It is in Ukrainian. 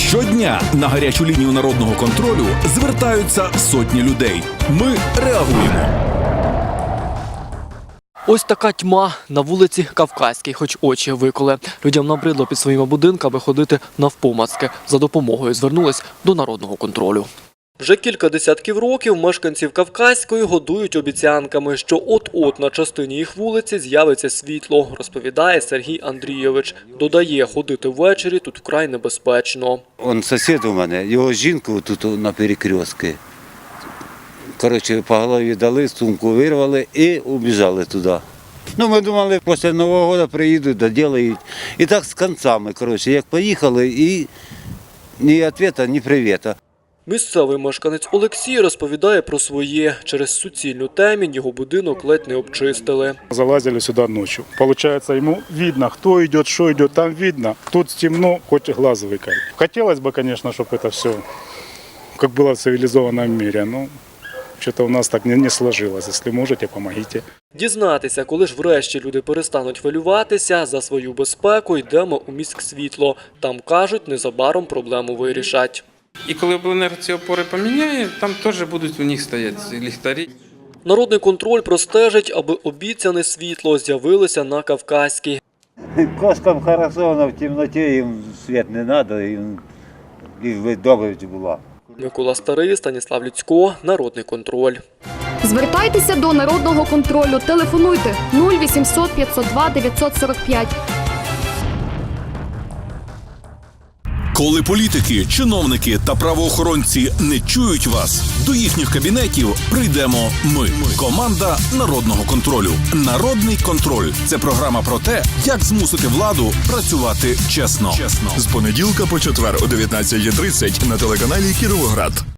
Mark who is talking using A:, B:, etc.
A: Щодня на гарячу лінію народного контролю звертаються сотні людей. Ми реагуємо.
B: Ось така тьма на вулиці Кавказькій, хоч очі виколи. Людям набридло під своїми будинками ходити навпомацки. За допомогою звернулись до народного контролю. Вже кілька десятків років мешканців Кавказької годують обіцянками, що от-от на частині їх вулиці з'явиться світло, розповідає Сергій Андрійович. Додає, ходити ввечері тут вкрай небезпечно.
C: Он сусід у мене, його жінку тут на перекрестку. Коротше, по голові дали, сумку вирвали і убіжали туди. Ну, ми думали, після Нового року приїдуть, доділають. І так з кінцями, коротше, як поїхали, і ні відповіді, ні привіта.
B: Місцевий мешканець Олексій розповідає про своє. Через суцільну темінь його будинок ледь не обчистили.
D: Залазили сюда ночью. Получается, ему видно, кто идет, что идет, там видно. Тут темно, хоть глаз выколи. Хотелось бы, конечно, чтобы это все как было в цивилизованном мире, но что-то у нас так не сложилось. Если можете, помогите.
B: Дізнатися, коли ж врешті люди перестануть хвилюватися за свою безпеку, йдемо у міськсвітло. Там, кажуть, незабаром проблему вирішать.
E: І коли обленерго ці опори поміняє, там теж будуть у них стояти ліхтарі.
B: Народний контроль простежить, аби обіцяне світло з'явилося на Кавказькій.
C: Кошкам хорошо, але в темноті їм світ не треба, їм добре була.
B: Микола Старий, Станіслав Люцько, Народний контроль.
F: Звертайтеся до Народного контролю. Телефонуйте 0800 502 945.
A: Коли політики, чиновники та правоохоронці не чують вас, до їхніх кабінетів прийдемо ми. Команда Народного контролю. Народний контроль – це програма про те, як змусити владу працювати чесно.
G: З понеділка по четвер о 19:30 на телеканалі Кіровоград.